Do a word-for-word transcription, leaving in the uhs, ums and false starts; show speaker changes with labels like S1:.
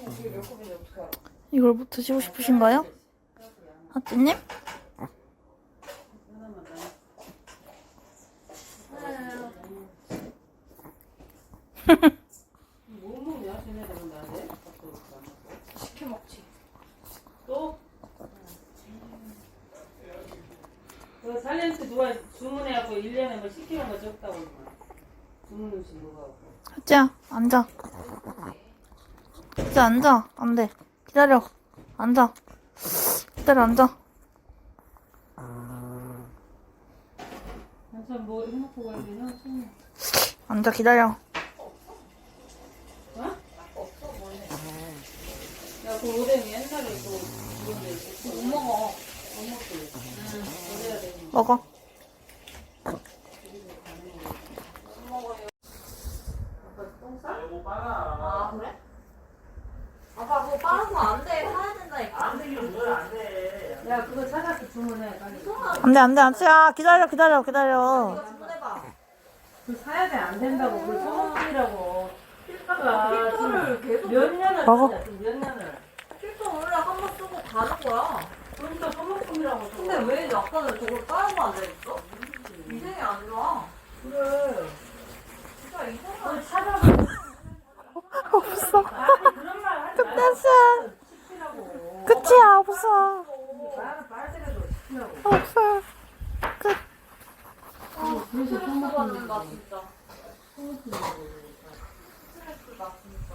S1: 이걸 뭐 드시고 싶으신가요? 하찌님?
S2: 뭐 먹냐? 쟤네들은 나한테
S3: 시켜 먹지.
S2: 또? 그 살렌트 누가 주문해갖고 일 년에 뭐 시키는 거 적다고 주문 음식 누가 하고.
S1: 하찌야, 앉아. 하찌 앉아. 안 돼. 기다려. 앉아. 기다려, 앉아.
S2: 한참 뭐 해놓고 가야 되나?
S1: 앉아, 기다려.
S2: 어? 야, 그 오뎅이 옛날에 그 그건데 있었어.
S3: 못 먹어.
S2: 못 먹지. 응. 그래야 되는
S1: 먹어.
S3: 못 먹어요.
S2: 똥 싸?
S3: 아 그래? 아빠 그거 빨아서 안 돼. 사야 된다니까.
S2: 안 되긴 뭘안 돼. 야, 그거 찾아서 주문해. 빨리.
S1: 안 돼, 안 돼, 하찌야. 기다려, 기다려, 기다려.
S3: 이거 주문해봐.
S2: 그 사야 돼. 안 된다고. 그걸 소모품이라고. 필터가
S3: 필터를 계속
S2: 몇 년을
S1: 먹어.
S2: 쓰냐, 지금 몇 년을.
S3: 필터 원래 한 번 쓰고 가는 거야.
S2: 그러니까 소모품이라고.
S3: 근데 왜 약간은 저걸 빨아서 안 되겠어? 위생이 안 좋아.
S2: 그래.
S3: 진짜 이상한.
S2: 그걸 찾아봐.
S1: 없어.
S2: 아니, 그런 말 하지 말고.
S1: 끝났어.
S2: 시키라고.
S1: 끝이야, 없어.
S2: 나는 빨대라도 시키라고.
S1: 없어. 끝.
S3: 아, 스트레스 받는다 진짜. 스트레스 나 진짜.